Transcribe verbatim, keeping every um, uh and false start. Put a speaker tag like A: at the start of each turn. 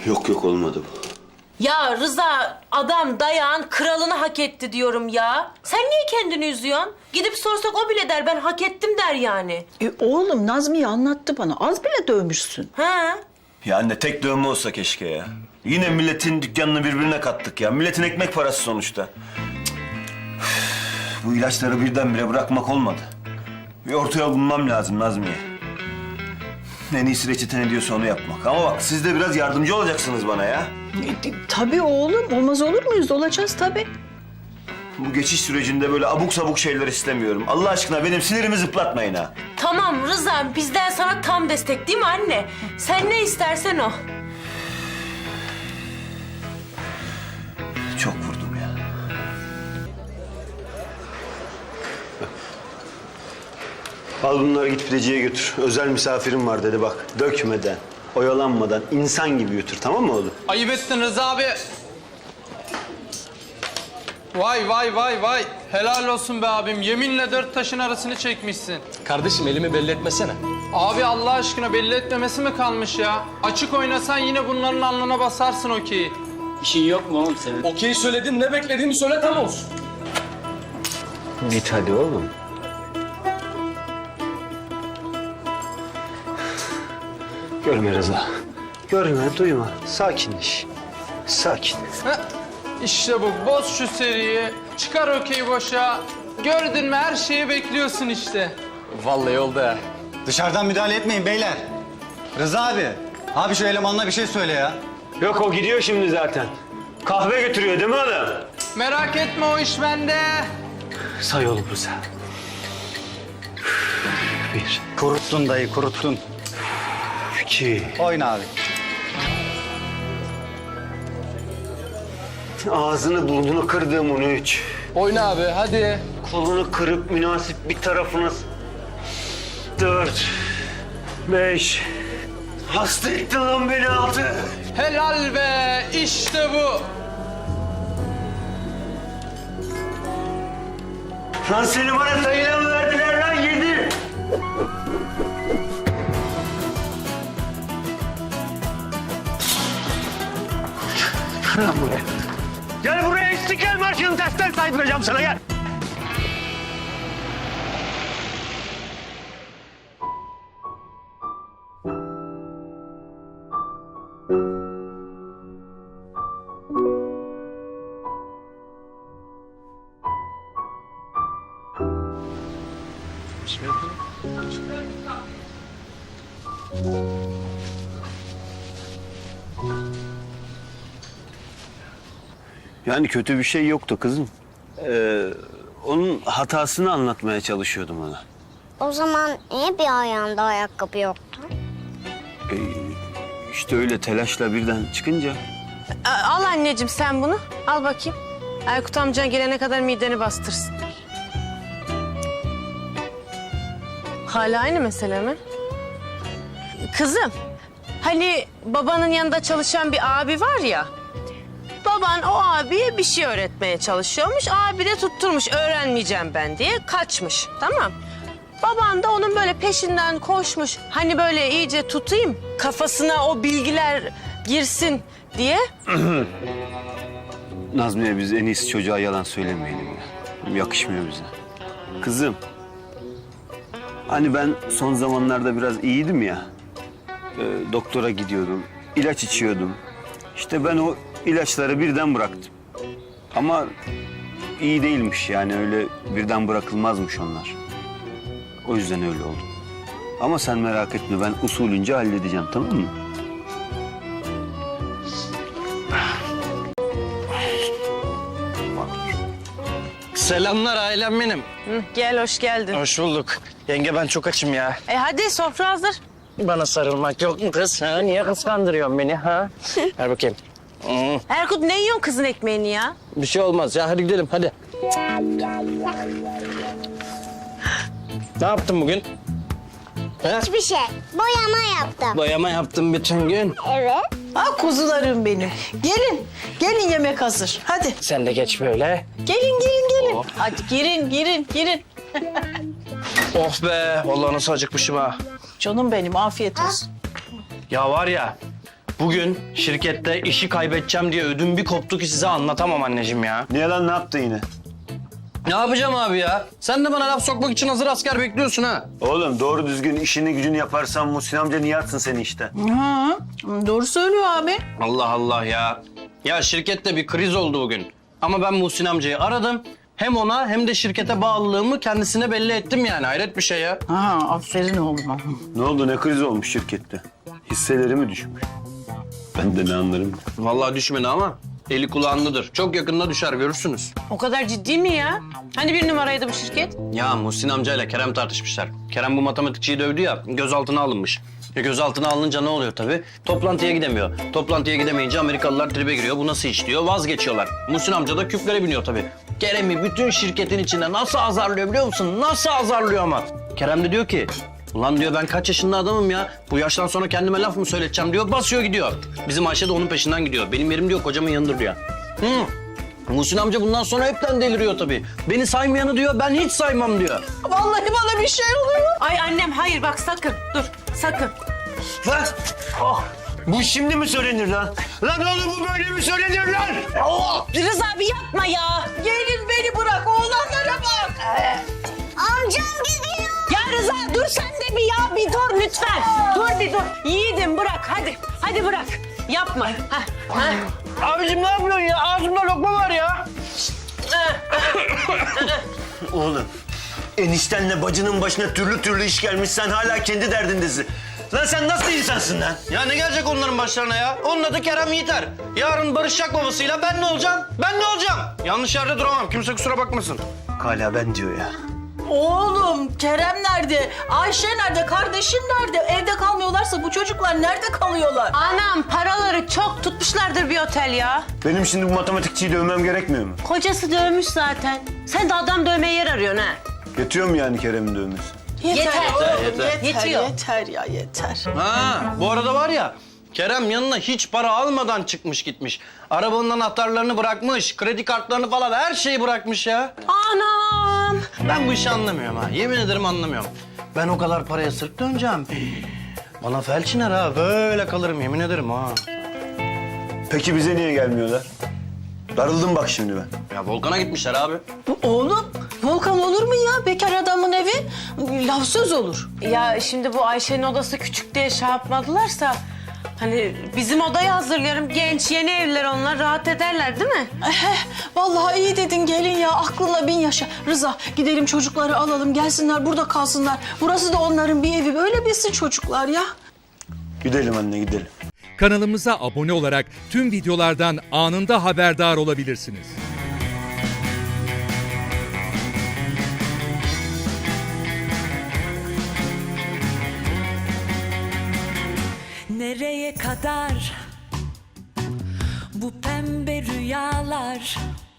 A: Yok yok olmadı bu.
B: Ya Rıza, adam dayağın kralını hak etti diyorum ya. Sen niye kendini üzüyorsun? Gidip sorsak o bile der, ben hak ettim der yani.
C: E oğlum Nazmiye anlattı bana. Az bile dövmüşsün.
B: Ha?
A: Ya anne tek dövme olsa keşke ya. Yine milletin dükkanını birbirine kattık ya. Milletin ekmek parası sonuçta. Cık. Üf, bu ilaçları birdenbire bırakmak olmadı. Bir orta yol bulmam lazım Nazmiye. En iyisi reçete ne diyorsa onu yapmak. Ama bak siz de biraz yardımcı olacaksınız bana ya.
C: E, tabii oğlum. Olmaz olur muyuz? Olacağız tabii.
A: Bu geçiş sürecinde böyle abuk sabuk şeyler istemiyorum. Allah aşkına benim sinirimi zıplatmayın ha.
B: Tamam Rıza, bizden sana tam destek değil mi anne? Sen ne istersen o.
A: Çok vurdum ya. Al bunları git pideciye götür. Özel misafirim var dedi bak. Dökmeden, oyalanmadan insan gibi götür, tamam mı oğlum?
D: Ayıp ettin Rıza abi. Vay vay vay vay. Helal olsun be abim. Yeminle dört taşın arasını çekmişsin.
E: Kardeşim elimi belli etmesene.
D: Abi Allah aşkına belli etmemesi mi kalmış ya? Açık oynasan yine bunların alnına basarsın okeyi.
E: İşin yok mu oğlum senin? Okey söyledin, ne beklediğini söyle tam olsun.
A: Git hadi oğlum. Görme Rıza. Görme, duyma. Sakinleş. Sakin.
D: Heh, İşte bu. Boz şu seriyi. Çıkar okeyi boşa. Gördün mü her şeyi bekliyorsun işte.
E: Vallahi oldu ha.
F: Dışarıdan müdahale etmeyin beyler. Rıza abi. Abi şu elemanla bir şey söyle ya.
A: Yok o gidiyor şimdi zaten. Kahve götürüyor değil mi oğlum?
D: Merak etme o iş bende.
A: Say oğlum Rıza. Bir,
F: Kuruttun dayı kuruttun.
A: iki.
F: Oyna abi.
A: Ağzını burnunu kırdığım onu üç.
D: Oyna abi hadi.
A: Kolunu kırıp münasip bir tarafına... Dört. Beş. Hasta ettin lan beni altı.
D: Helal be. İşte bu.
A: Lan seni bana sayıyla mı verdiler lan yedi? Lan buraya. Gel buraya İstiklal Marşı'nın tersten saydıracağım sana gel. Yani kötü bir şey yoktu kızım. Ee, onun hatasını anlatmaya çalışıyordum ona.
G: O zaman niye bir ayağında ayakkabı yoktu?
A: Ee, işte öyle telaşla birden çıkınca...
B: A- Al anneciğim sen bunu. Al bakayım. Erkut amcan gelene kadar mideni bastırsın. Hala aynı mesele mi? Kızım, hani babanın yanında çalışan bir abi var ya... Baban o abiye bir şey öğretmeye çalışıyormuş. Abi de tutturmuş öğrenmeyeceğim ben diye kaçmış. Tamam. Baban da onun böyle peşinden koşmuş. Hani böyle iyice tutayım kafasına o bilgiler girsin diye.
A: Nazmiye biz en iyisi çocuğa yalan söylemeyelim ya. Yakışmıyor bize. Kızım. Hani ben son zamanlarda biraz iyiydim ya. E, doktora gidiyordum. İlaç içiyordum. İşte ben o ilaçları birden bıraktım. Ama iyi değilmiş yani öyle birden bırakılmazmış onlar. O yüzden öyle oldu. Ama sen merak etme ben usulünce halledeceğim tamam mı?
E: Selamlar ailem benim.
B: Hı, gel hoş geldin.
E: Hoş bulduk. Yenge ben çok açım ya.
B: E hadi sofra hazır.
E: Bana sarılmak yok mu kız? Ha? Niye kıskandırıyorsun beni ha? Ver bakayım. Hmm,
B: Erkut ne yiyorsun kızın ekmeğini ya?
E: bir şey olmaz ya. Hadi gidelim hadi. Ne yaptın bugün? Ha?
G: Hiçbir şey. Boyama yaptım.
E: Boyama yaptım bütün gün.
G: Evet.
C: Ah kuzularım benim. Gelin. Gelin yemek hazır. Hadi.
E: Sen de geç böyle.
C: Gelin gelin gelin. Hadi girin girin girin.
E: Oh be. Vallahi nasıl acıkmışım ha.
C: Canım benim afiyet olsun.
E: Ya var ya. Bugün şirkette işi kaybedeceğim diye ödüm bir koptu ki size anlatamam anneciğim ya.
A: Niye lan, ne yaptın yine?
E: Ne yapacağım abi ya? Sen de bana laf sokmak için hazır asker bekliyorsun ha.
A: Oğlum doğru düzgün işini gücünü yaparsan Muhsin amca niye atsın seni işte?
C: Ha, doğru söylüyor abi.
E: Allah Allah ya. Ya şirkette bir kriz oldu bugün. Ama ben Muhsin amcayı aradım. Hem ona hem de şirkete bağlılığımı kendisine belli ettim yani. Hayret bir şey ya.
C: Ha, aferin oğluma.
A: Ne oldu, ne kriz olmuş şirkette? Hisseleri mi düşmüş? Ben de ne anlarım?
E: Vallahi düşmedi ama eli kulağındadır. Çok yakında düşer görürsünüz.
B: O kadar ciddi mi ya? Hani bir numaraydı bu şirket?
E: Ya Muhsin amcayla Kerem tartışmışlar. Kerem bu matematikçiyi dövdü ya, gözaltına alınmış. E gözaltına alınınca ne oluyor tabii? Toplantıya gidemiyor. Toplantıya gidemeyince Amerikalılar tribe giriyor. Bu nasıl iş diyor, vazgeçiyorlar. Muhsin amca da küplere biniyor tabii. Kerem'i bütün şirketin içinde nasıl azarlıyor biliyor musun? Nasıl azarlıyor ama? Kerem de diyor ki, ulan diyor ben kaç yaşında adamım ya. Bu yaştan sonra kendime laf mı söyleteceğim diyor, basıyor gidiyor. Bizim Ayşe de onun peşinden gidiyor. Benim yerim diyor kocamın yanıdır diyor. Hı. Muhsin amca bundan sonra hepten deliriyor tabii. Beni saymayanı diyor, ben hiç saymam diyor.
C: Vallahi bana bir şey oluyor.
B: Ay annem hayır bak sakın dur sakın.
A: Lan! Oh! Bu şimdi mi söylenir lan? Lan oğlum bu böyle mi söylenir lan? Oh!
B: Rıza abi yapma ya.
C: Gelin beni bırak, oğlanlara bak.
G: Amcam gidiyor.
B: Ya Rıza dur sen de bir ya bir dur lütfen. Dur bir dur. Yiğidim bırak hadi. Hadi bırak. Yapma. Ha, ha.
E: Abicim ne yapıyorsun ya? Ağzımda lokma var ya.
A: Oğlum, eniştenle bacının başına türlü türlü iş gelmiş. Sen hala kendi derdindesin. Lan sen nasıl insansın lan?
E: Ya ne gelecek onların başlarına ya? Onun adı Kerem Yiğiter. Yarın barışacak babasıyla ben ne olacağım? Ben ne olacağım? Yanlış yerde duramam. Kimse kusura bakmasın.
A: Hala ben diyor ya.
C: Oğlum, Kerem nerede? Ayşe nerede? Kardeşin nerede? Evde kalmıyorlarsa bu çocuklar nerede kalıyorlar?
B: Anam paraları çok tutmuşlardır bir otel ya.
A: Benim şimdi bu matematikçiyi dövmem gerekmiyor mu?
B: Kocası dövmüş zaten. Sen de adam dövmeye yer arıyorsun ha.
A: Yetiyor mu yani Kerem'in dövmesi?
B: Yeter.
C: oğlum,
E: Yeter,
C: yeter,
B: Yetiyor.
C: yeter ya, yeter.
E: Ha, bu arada var ya, Kerem yanına hiç para almadan çıkmış gitmiş. Arabanın anahtarlarını bırakmış, kredi kartlarını falan her şeyi bırakmış ya.
B: Anam.
E: Ben bu işi anlamıyorum ha. Yemin ederim anlamıyorum. Ben o kadar paraya sırf döneceğim. Bana felç iner ha. Böyle kalırım yemin ederim ha.
A: Peki bize niye gelmiyorlar? Darıldım bak şimdi ben.
E: Ya Volkan'a gitmişler abi.
C: Bu oğlum, Volkan olur mu ya? Bekar adamın evi laf söz olur.
B: Ya şimdi bu Ayşe'nin odası küçük diye şey yapmadılarsa... Hani bizim odayı hazırlıyorum. Genç, yeni evliler onlar. Rahat ederler değil mi?
C: Eh, vallahi iyi dedin gelin ya. Aklınla bin yaşa. Rıza, gidelim çocukları alalım. Gelsinler burada kalsınlar. Burası da onların bir evi. Böyle bilsin çocuklar ya.
A: Gidelim anne, gidelim.
H: Kanalımıza abone olarak tüm videolardan anında haberdar olabilirsiniz.
I: Nereye kadar bu pembe rüyalar?